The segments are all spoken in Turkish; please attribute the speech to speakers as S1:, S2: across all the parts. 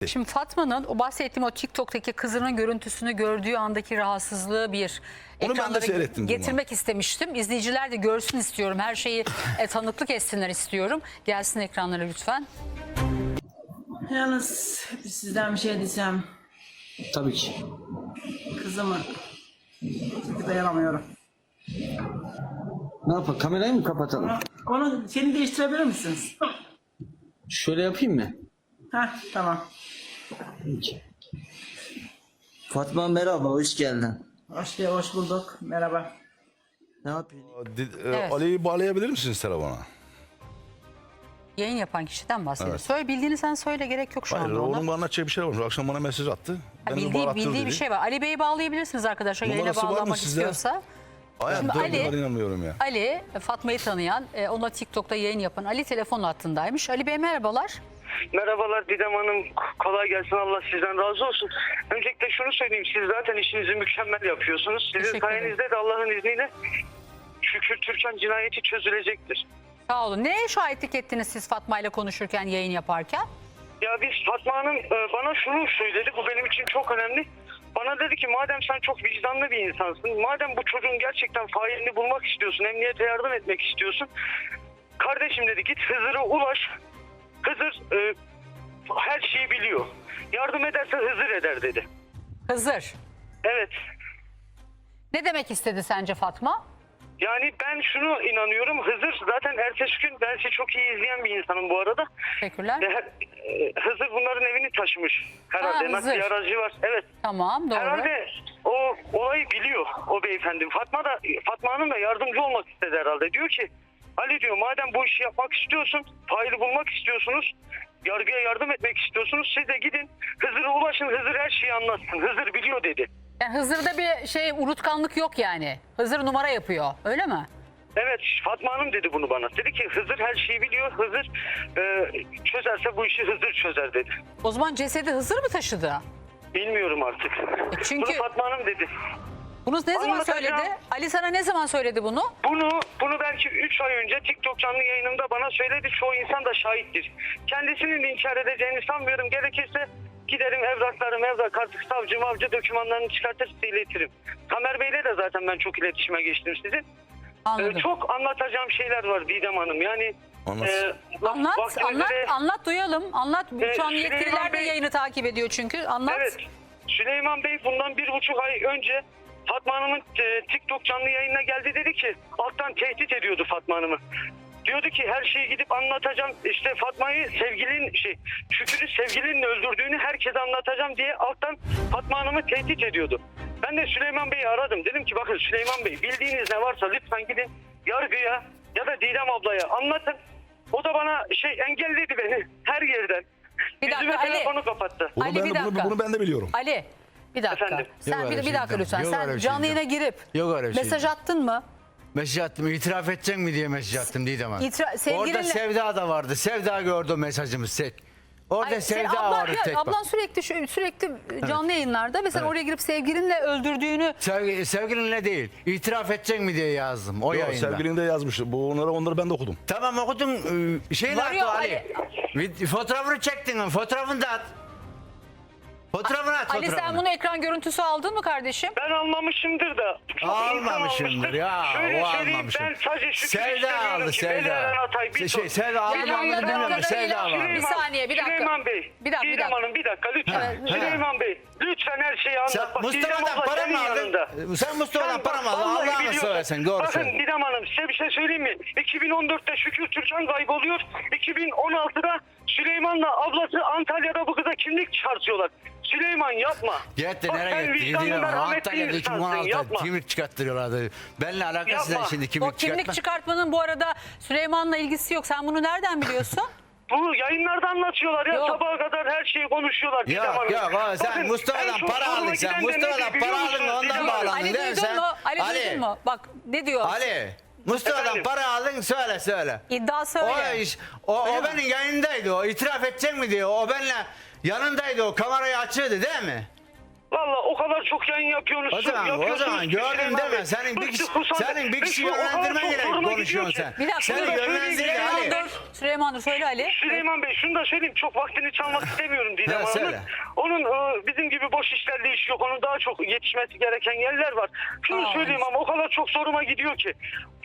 S1: Şimdi Fatma'nın o bahsettiğim o TikTok'taki kızının görüntüsünü gördüğü andaki rahatsızlığı bir
S2: Onu ben de
S1: ekranlara
S2: seyrettim.
S1: getirmek istemiştim. İzleyiciler de görsün istiyorum. Her şeyi tanıklık etsinler istiyorum. Gelsin ekranlara lütfen.
S3: Yalnız sizden bir şey diyeceğim.
S4: Tabii ki.
S3: Kızımı dayanamıyorum.
S4: Ne yapalım? Kamerayı mı kapatalım?
S3: Onu seni değiştirebilir misiniz?
S4: Şöyle yapayım mı?
S3: Heh, tamam.
S4: Peki. Fatma merhaba, hoş geldin.
S3: Hoş bulduk. Merhaba.
S4: Ne yapıyorsun?
S1: Evet.
S2: Ali'yi bağlayabilir misiniz telefona?
S1: Yayın yapan kişiden bahsediyor.
S2: Evet.
S1: Söyle, bildiğini sen söyle, gerek yok şu
S2: Hayır,
S1: anda ona.
S2: onun bana anlatacağı bir şey var. Akşam bana mesaj attı.
S1: Ha,
S2: Beni bağlattır
S1: bildiği
S2: dedi.
S1: bir şey var. Ali Bey'i bağlayabilirsiniz arkadaşlar. Yayına
S2: Numarası var mı
S1: bağlamak
S2: sizde?
S1: istiyorsa.
S2: Hayatta
S1: Şimdi Ali-
S2: inanmıyorum ya.
S1: Ali, Fatma'yı tanıyan, ona TikTok'ta yayın yapan Ali telefon hattındaymış. Ali Bey merhabalar.
S5: Merhabalar Didem Hanım. Kolay gelsin. Allah sizden razı olsun. Öncelikle şunu söyleyeyim. Siz zaten işinizi mükemmel yapıyorsunuz. Sizin
S1: Teşekkür ederim.
S5: sayenizde de Allah'ın izniyle şükür Türkan cinayeti çözülecektir.
S1: Sağ olun. Neye şahitlik ettiniz siz Fatma ile konuşurken, yayın yaparken?
S5: Ya biz Fatma Hanım bana şunu söyledi. Bu benim için çok önemli. Bana dedi ki madem sen çok vicdanlı bir insansın. Madem bu çocuğun gerçekten failini bulmak istiyorsun. Emniyete yardım etmek istiyorsun. Kardeşim dedi git Hızır'a ulaş. Hızır her şeyi biliyor. Yardım ederse Hızır eder dedi.
S1: Hızır.
S5: Evet.
S1: Ne demek istedi sence Fatma?
S5: Yani ben şunu inanıyorum. Hızır zaten ertesi gün ben sizi çok iyi izleyen bir insanım bu arada.
S1: Teşekkürler.
S5: Hızır bunların evini taşımış. Herhalde
S1: Ha,
S5: nakliye
S1: Hızır.
S5: aracı var. Evet.
S1: Tamam, doğru.
S5: Herhalde o olayı biliyor o beyefendi. Fatma Hanım da yardımcı olmak istedi herhalde. Diyor ki Ali diyor madem bu işi yapmak istiyorsun, faili bulmak istiyorsunuz, yargıya yardım etmek istiyorsunuz, siz de gidin Hızır'a ulaşın, Hızır her şeyi anlatsın. Hızır biliyor dedi.
S1: Yani Hızır'da bir unutkanlık yok yani. Hızır numara yapıyor, öyle mi?
S5: Evet, Fatma Hanım dedi bunu bana. Dedi ki Hızır her şeyi biliyor. Hızır çözerse bu işi Hızır çözer dedi.
S1: O zaman cesedi Hızır mı taşıdı?
S5: Bilmiyorum artık.
S1: çünkü-
S5: Bunu Fatma Hanım dedi.
S1: Bunu ne zaman
S5: Anlatacağım.
S1: söyledi? Ali sana ne zaman söyledi bunu?
S5: Bunu belki 3 ay önce TikTok canlı yayınımda bana söyledi. Çoğu insan da şahittir. Kendisinin inkar edeceğini sanmıyorum. Gerekirse giderim evrak artık savcı mavcı dokümanlarını çıkartır size iletirim. Tamer Bey'le de zaten ben çok iletişime geçtim sizin.
S1: Anladım.
S5: Çok anlatacağım şeyler var Didem Hanım. Yani
S2: Anlat.
S1: Anlat duyalım. Anlat. Şu an
S5: Süleyman
S1: yetkililer de
S5: Bey-
S1: yayını takip ediyor çünkü. Anlat.
S5: Evet. Süleyman Bey bundan 1,5 ay önce Fatma Hanım'ın TikTok canlı yayınına geldi, dedi ki alttan tehdit ediyordu Fatma Hanım'ı. Diyordu ki her şeyi gidip anlatacağım. İşte Fatma'yı Şükür'ü sevgilinle öldürdüğünü herkese anlatacağım diye alttan Fatma Hanım'ı tehdit ediyordu. Ben de Süleyman Bey'i aradım. Dedim ki bakın Süleyman Bey bildiğiniz ne varsa lütfen gidin yargıya ya da Didem ablaya anlatın. O da bana engelledi beni her yerden.
S1: Bir dakika,
S5: Yüzüme
S1: Ali.
S5: telefonu kapattı.
S2: Bunu,
S1: Ali,
S2: ben,
S1: bir dakika.
S2: bunu ben de biliyorum.
S1: Ali bir dakika.
S5: Efendim?
S1: Sen
S6: Yok öyle
S1: bir dakika
S6: şey
S1: lütfen.
S6: yok
S1: Sen
S6: öyle
S1: canlı
S6: şey
S1: yayına girip
S6: Yok öyle şey
S1: mesaj
S6: yok.
S1: attın mı?
S6: Mesaj attım. İtiraf edecek mi diye mesaj attım Didem Hanım.
S1: Sevgilinle-
S6: Orada Sevda da vardı. Sevda gördü o mesajımız tek. Orada
S1: Ay,
S6: Sevda
S1: ablan,
S6: vardı tek. bak.
S1: ablan sürekli canlı yayınlarda ve sen oraya girip sevgilinle öldürdüğünü
S6: Sevgilinle değil. İtiraf edecek mi diye yazdım o
S2: Yok,
S6: yayında.
S2: sevgilin de yazmış. Onları ben de okudum.
S6: Tamam okudum. Şeyini
S1: Var ya,
S6: attı Ali. Fotoğrafını çektin. Fotoğrafını da at. Fotoğrafını at.
S1: Ali sen
S6: fotoğrafını.
S1: bunu ekran görüntüsü aldın mı kardeşim?
S5: Ben almamışımdır da. çok
S6: Almamışımdır
S5: insan almıştır.
S6: ya.
S5: Şöyle
S6: o
S5: söyleyeyim,
S6: almamışım.
S5: ben sadece şükür
S6: Sevda
S5: istemiyorum
S6: aldı
S5: ki
S6: Sevda.
S5: Beylerden Atay, bir dur.
S6: Sevda aldı mı
S1: Süleyman
S6: almadı bilmiyorum.
S1: Bey-
S6: Sevda var.
S1: Bir saniye, bir dakika.
S5: Süleyman Bey.
S1: Bir dakika, bir
S5: Didem
S1: dakika.
S5: Hanım bir dakika lütfen.
S1: Evet.
S5: Süleyman Bey lütfen her şeyi anlat.
S6: Sen
S5: Bak, Didem
S6: Mustafa'dan
S5: abla
S6: para
S5: senin
S6: mı aldın?
S5: yanında.
S6: Sen Mustafa'dan
S5: Sen
S6: para
S5: bak,
S6: mı aldın?
S5: vallahi
S6: Allah'ını
S5: biliyorsun.
S6: söylesen doğru
S5: Bakın
S6: söyle.
S5: Didem Hanım size bir şey söyleyeyim mi? 2014'te Şükür Türkan kayboluyor. 2016'da Süleyman'la ablası Antalya'da bu kıza kimlik çıkartıyorlar. Süleyman yapma.
S6: Gitti
S5: Bak,
S6: nereye
S5: sen
S6: gitti?
S5: vicdanlı,
S6: Gidiyor.
S5: merhametli
S6: Antalya'da
S5: insansın,
S6: 2016'da
S5: yapma.
S6: kimlik çıkarttırıyorlardı. Benimle alakası
S5: Yapma.
S6: ne şimdi
S1: O
S6: kimlik
S1: kimlik
S6: çıkartma?
S1: çıkartmanın bu arada Süleyman'la ilgisi yok. Sen bunu nereden biliyorsun?
S5: Bu yayınlarda anlatıyorlar ya,
S1: Yok.
S5: sabaha kadar her şeyi konuşuyorlar. Didem
S6: Yok
S5: Hanım.
S6: yok o sen
S5: Bakın, en
S6: Mustafa'dan
S5: çok
S6: para
S5: zoruma
S6: aldın sen.
S5: giden de
S6: Mustafa'dan
S5: nedir biliyor
S6: para aldın
S5: musunuz
S6: ondan
S5: Didem Hanım?
S6: bağlandın
S1: Ali
S6: değil mi
S1: duydun
S6: sen?
S1: mu? Ali duydun mu? Bak ne diyor?
S6: Ali. Mustafa'dan
S5: Efendim?
S6: para aldın söyle.
S1: İddia söyle.
S6: O benim yayındaydı o. İtiraf edecek mi diyor. O benimle yanındaydı o. Kamerayı açıyordu değil mi?
S5: Valla o kadar çok yayın yapıyorsunuz.
S6: O zaman
S5: yapıyorsunuz ki
S6: gördüm
S5: Süleyman
S6: deme.
S5: Bey.
S6: Senin bir kişi,
S5: Bıktık, usandık.
S6: senin bir kişi
S5: Bıktık, o kadar
S6: yönlendirmen
S5: çok
S6: gerek
S5: zoruma
S6: konuşuyorsun
S5: gidiyor
S6: sen.
S5: ki.
S1: Bir dakika.
S6: Seni yönlendir
S1: Süleyman
S6: Ali.
S1: dur. Süleyman dur. Söyle Ali.
S5: Süleyman Bey şunu da söyleyeyim, çok vaktini çalmak istemiyorum Didem
S6: Evet,
S5: Hanım'ın.
S6: söyle.
S5: Onun bizim gibi boş işlerle işi yok. Onun daha çok yetişmesi gereken yerler var. Şunu
S1: Aa,
S5: söyleyeyim ama o kadar çok zoruma gidiyor ki.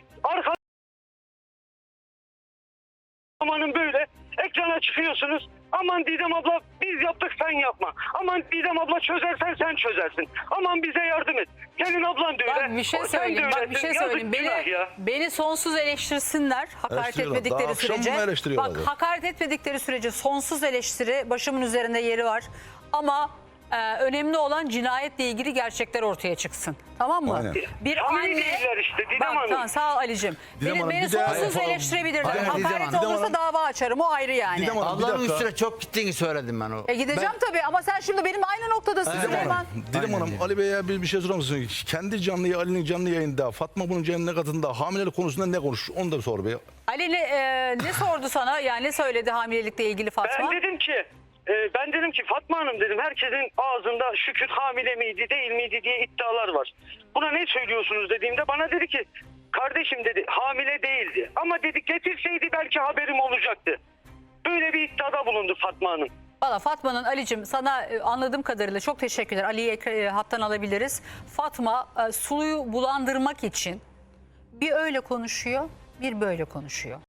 S5: Amanın böyle ekrana çıkıyorsunuz. Aman Didem abla biz yaptık sen yapma. Aman Didem abla çözersen sen çözersin. Aman bize yardım et. Gelin ablan da öyle.
S1: Bak bir şey
S5: sen de
S1: söyleyeyim. Bak bir
S5: öylesin.
S1: şey
S5: Yazık,
S1: söyleyeyim.
S5: günah ya.
S1: Beni sonsuz eleştirsinler. Hakaret
S2: Eleştiriyorlar.
S1: etmedikleri
S2: Daha akşam
S1: sürece.
S2: mı eleştiriyorlar
S1: Bak
S2: ya?
S1: hakaret etmedikleri sürece sonsuz eleştiri başımın üzerinde yeri var. Ama önemli olan cinayetle ilgili gerçekler ortaya çıksın. Tamam mı?
S2: Aynen.
S1: Bir
S5: Samimi
S1: anne...
S5: değiller işte Didem
S1: Bak
S5: Hanım.
S1: tamam sağ ol Ali'cim.
S2: Didem
S1: Beni,
S2: Hanım,
S1: beni
S2: bir de-
S1: sonsuz
S2: Hayır,
S1: eleştirebilirler.
S6: Hayır, Didem
S1: Hakaret
S6: Hanım.
S1: olursa
S2: Didem Hanım.
S1: dava açarım o ayrı yani.
S2: Didem Hanım, bir
S6: Allah'ın
S2: dakika.
S6: üstüne çok gittiğini söyledim ben o.
S1: Gideceğim tabii ama sen şimdi benim aynı noktadasın
S2: Didem
S1: Süleyman.
S2: Hanım, Didem
S6: Aynen
S2: Hanım
S6: öyle.
S2: Ali Bey'e bir şey sorar mısın? Kendi Ali'nin canlı yayında Fatma bunun canlı katında hamilelik konusunda ne konuş? Onu da sor bir.
S1: Ali ne sordu sana? Yani ne söyledi hamilelikle ilgili Fatma?
S5: Ben dedim ki Fatma Hanım dedim herkesin ağzında Şükür hamile miydi değil miydi diye iddialar var. Buna ne söylüyorsunuz dediğimde bana dedi ki kardeşim dedi hamile değildi. Ama dedi getirseydi belki haberim olacaktı. Böyle bir iddiada bulundu Fatma Hanım.
S1: Valla Fatma'nın Ali'cim sana anladığım kadarıyla çok teşekkürler. Ali'yi hattan alabiliriz. Fatma suyu bulandırmak için bir öyle konuşuyor bir böyle konuşuyor.